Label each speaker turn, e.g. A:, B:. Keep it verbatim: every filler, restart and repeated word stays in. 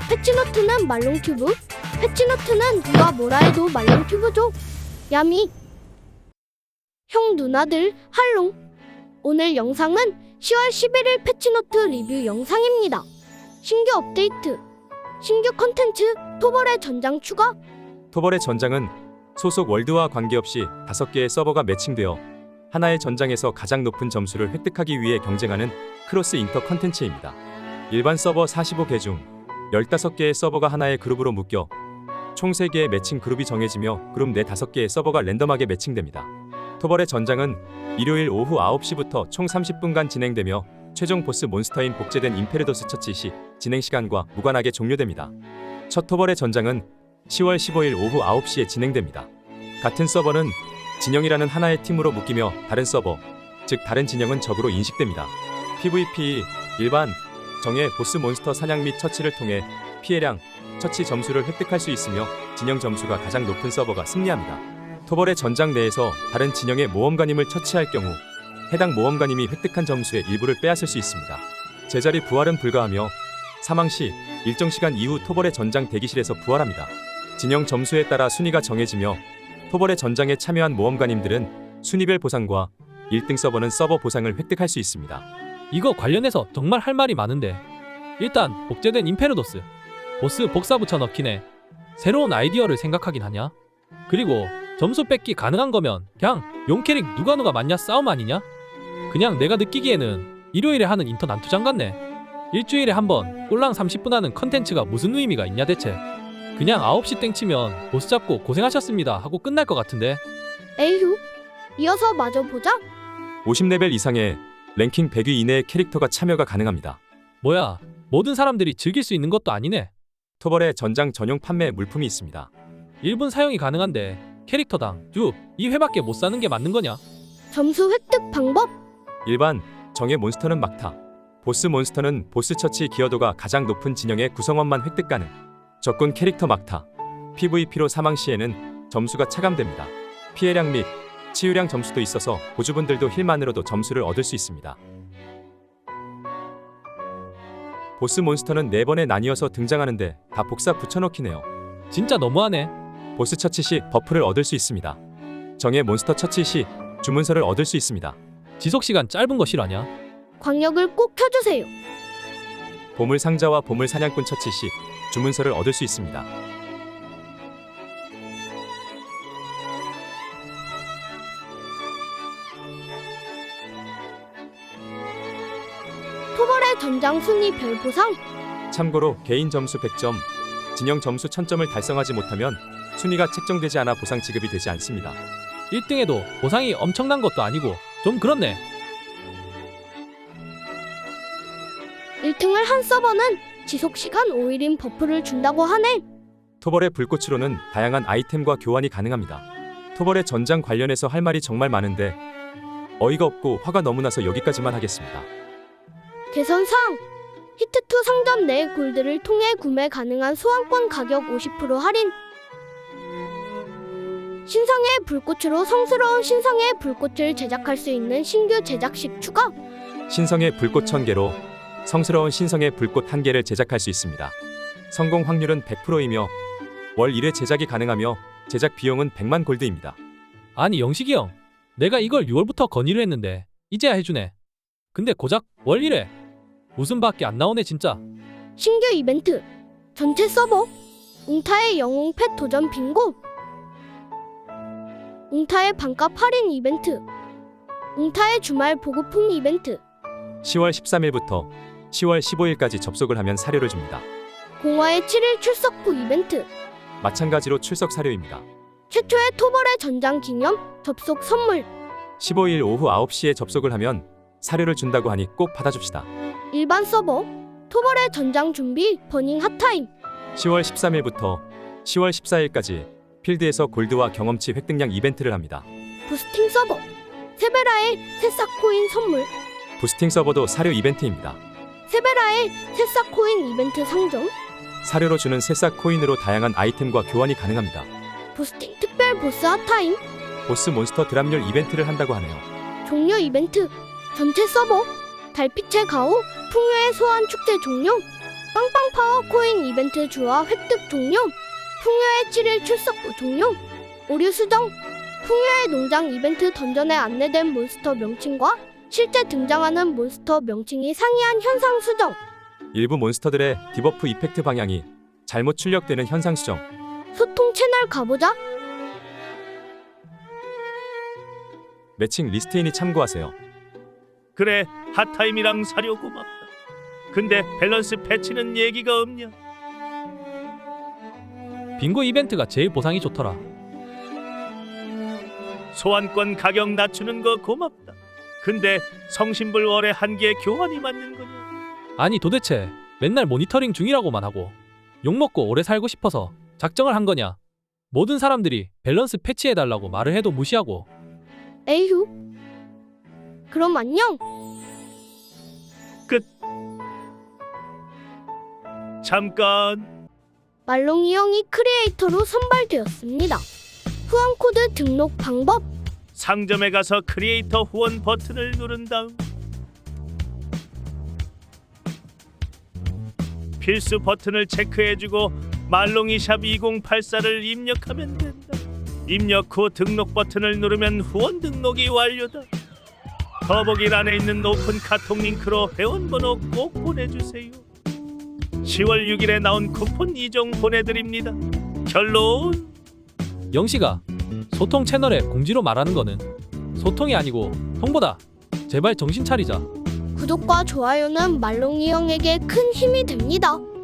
A: 패치노트는 말롱튜브. 패치노트는 누가 뭐라 해도 말롱튜브죠. 야미. 형 누나들 할롱. 오늘 영상은 시월 십일일 패치노트 리뷰 영상입니다. 신규 업데이트, 신규 컨텐츠, 토벌의 전장 추가.
B: 토벌의 전장은 소속 월드와 관계없이 다섯 개의 서버가 매칭되어 하나의 전장에서 가장 높은 점수를 획득하기 위해 경쟁하는 크로스 인터 컨텐츠입니다. 일반 서버 사십오 개 중 열다섯 개의 서버가 하나의 그룹으로 묶여 총 세 개의 매칭 그룹이 정해지며 그룹 내 다섯 개의 서버가 랜덤하게 매칭됩니다. 토벌의 전장은 일요일 오후 아홉 시부터 총 삼십 분간 진행되며 최종 보스 몬스터인 복제된 임페르도스 처치 시 진행 시간과 무관하게 종료됩니다. 첫 토벌의 전장은 시월 십오일 오후 아홉 시에 진행됩니다. 같은 서버는 진영이라는 하나의 팀으로 묶이며 다른 서버, 즉 다른 진영은 적으로 인식됩니다. 피브이피, 일반, 정예 보스 몬스터 사냥 및 처치를 통해 피해량, 처치 점수를 획득할 수 있으며 진영 점수가 가장 높은 서버가 승리합니다. 토벌의 전장 내에서 다른 진영의 모험가님을 처치할 경우 해당 모험가님이 획득한 점수의 일부를 빼앗을 수 있습니다. 제자리 부활은 불가하며 사망 시 일정 시간 이후 토벌의 전장 대기실에서 부활합니다. 진영 점수에 따라 순위가 정해지며 토벌의 전장에 참여한 모험가님들은 순위별 보상과 일 등 서버는 서버 보상을 획득할 수 있습니다.
C: 이거 관련해서 정말 할 말이 많은데, 일단 복제된 임페르도스 보스 복사 붙여 넣기네. 새로운 아이디어를 생각하긴 하냐? 그리고 점수 뺏기 가능한 거면 그냥 용 캐릭 누가 누가 맞냐 싸움 아니냐? 그냥 내가 느끼기에는 일요일에 하는 인터 난투장 같네. 일주일에 한 번 꼴랑 삼십 분 하는 컨텐츠가 무슨 의미가 있냐 대체. 그냥 아홉 시 땡 치면 보스 잡고 고생하셨습니다 하고 끝날 것 같은데.
A: 에휴. 이어서 마저 보자.
B: 오십 레벨 이상의 랭킹 백 위 이내의 캐릭터가 참여가 가능합니다.
C: 뭐야, 모든 사람들이 즐길 수 있는 것도 아니네.
B: 토벌의 전장 전용 판매 물품이 있습니다.
C: 일 분 사용이 가능한데 캐릭터당 주 이 회밖에 못 사는 게 맞는 거냐?
A: 점수 획득 방법.
B: 일반, 정예 몬스터는 막타, 보스 몬스터는 보스 처치 기여도가 가장 높은 진영의 구성원만 획득 가능. 적군 캐릭터 막타, 피브이피로 사망 시에는 점수가 차감됩니다. 피해량 및 치유량 점수도 있어서 보주분들도 힐만으로도 점수를 얻을 수 있습니다. 보스 몬스터는 네 번에 나뉘어서 등장하는데 다 복사 붙여넣기네요.
C: 진짜 너무하네.
B: 보스 처치 시 버프를 얻을 수 있습니다. 정예 몬스터 처치 시 주문서를 얻을 수 있습니다.
C: 지속시간 짧은 거 실화냐?
A: 광역을 꼭 켜주세요.
B: 보물 상자와 보물 사냥꾼 처치 시 주문서를 얻을 수 있습니다.
A: 토벌의 전장 순위 별 보상.
B: 참고로 개인 점수 백 점, 진영 점수 천 점을 달성하지 못하면 순위가 책정되지 않아 보상 지급이 되지 않습니다.
C: 일 등에도 보상이 엄청난 것도 아니고 좀 그렇네.
A: 일 등을 한 서버는 지속시간 오 일인 버프를 준다고 하네.
B: 토벌의 불꽃으로는 다양한 아이템과 교환이 가능합니다. 토벌의 전장 관련해서 할 말이 정말 많은데 어이가 없고 화가 너무 나서 여기까지만 하겠습니다.
A: 개선사항. 히트투 상점 내 골드를 통해 구매 가능한 소환권 가격 오십 퍼센트 할인. 신성의 불꽃으로 성스러운 신성의 불꽃을 제작할 수 있는 신규 제작식 추가.
B: 신성의 불꽃 천 개로 성스러운 신성의 불꽃 한 개를 제작할 수 있습니다. 성공 확률은 백 퍼센트이며 월 일 회 제작이 가능하며 제작 비용은 백만 골드입니다.
C: 아니 영식이 형, 내가 이걸 유월부터 건의를 했는데 이제야 해주네. 근데 고작 월 일 회 웃음밖에 안 나오네 진짜.
A: 신규 이벤트. 전체 서버. 웅타의 영웅 펫 도전 빙고. 웅타의 반값 할인 이벤트. 웅타의 주말 보급품 이벤트.
B: 시월 십삼일부터 시월 십오일까지 접속을 하면 사료를 줍니다.
A: 공화의 칠 일 출석 후 이벤트.
B: 마찬가지로 출석 사료입니다.
A: 최초의 토벌의 전장 기념 접속 선물.
B: 십오일 오후 아홉 시에 접속을 하면 사료를 준다고 하니 꼭 받아줍시다.
A: 일반 서버. 토벌의 전장 준비 버닝 핫타임.
B: 시월 십삼일부터 시월 십사일까지 필드에서 골드와 경험치 획득량 이벤트를 합니다.
A: 부스팅 서버. 세베라의 새싹 코인 선물.
B: 부스팅 서버도 사료 이벤트입니다.
A: 세베라의 새싹 코인 이벤트 상점.
B: 사료로 주는 새싹 코인으로 다양한 아이템과 교환이 가능합니다.
A: 부스팅 특별 보스 핫타임.
B: 보스 몬스터 드랍률 이벤트를 한다고 하네요.
A: 종료 이벤트. 전체 서버. 달빛의 가오 풍요의 소환 축제 종료. 빵빵 파워 코인 이벤트 주화 획득 종료. 풍요의 칠 일 출석부 종료. 오류 수정. 풍요의 농장 이벤트 던전에 안내된 몬스터 명칭과 실제 등장하는 몬스터 명칭이 상이한 현상 수정.
B: 일부 몬스터들의 디버프 이펙트 방향이 잘못 출력되는 현상 수정.
A: 소통 채널 가보자.
B: 매칭 리스트인이 참고하세요.
D: 그래, 핫타임이랑 사료 고맙다. 근데 밸런스 패치는 얘기가 없냐?
C: 빙고 이벤트가 제일 보상이 좋더라.
D: 소환권 가격 낮추는 거 고맙다. 근데 성신불 월에 한 개 교환이 맞는 거냐?
C: 아니 도대체 맨날 모니터링 중이라고만 하고 욕먹고 오래 살고 싶어서 작정을 한 거냐? 모든 사람들이 밸런스 패치해달라고 말을 해도 무시하고.
A: 에휴. 그럼 안녕.
D: 잠깐.
A: 말롱이 형이 크리에이터로 선발되었습니다. 후원 코드 등록 방법.
D: 상점에 가서 크리에이터 후원 버튼을 누른 다음 필수 버튼을 체크해주고 말롱이샵 이공팔사를 입력하면 된다. 입력 후 등록 버튼을 누르면 후원 등록이 완료다. 더보기란에 있는 오픈 카톡 링크로 회원번호 꼭 보내주세요. 시월 육일에 나온 쿠폰 이 종 보내드립니다. 결론.
C: 영씨가 소통 채널에 공지로 말하는 거는 소통이 아니고 통보다. 제발 정신 차리자.
A: 구독과 좋아요는 말롱이 형에게 큰 힘이 됩니다.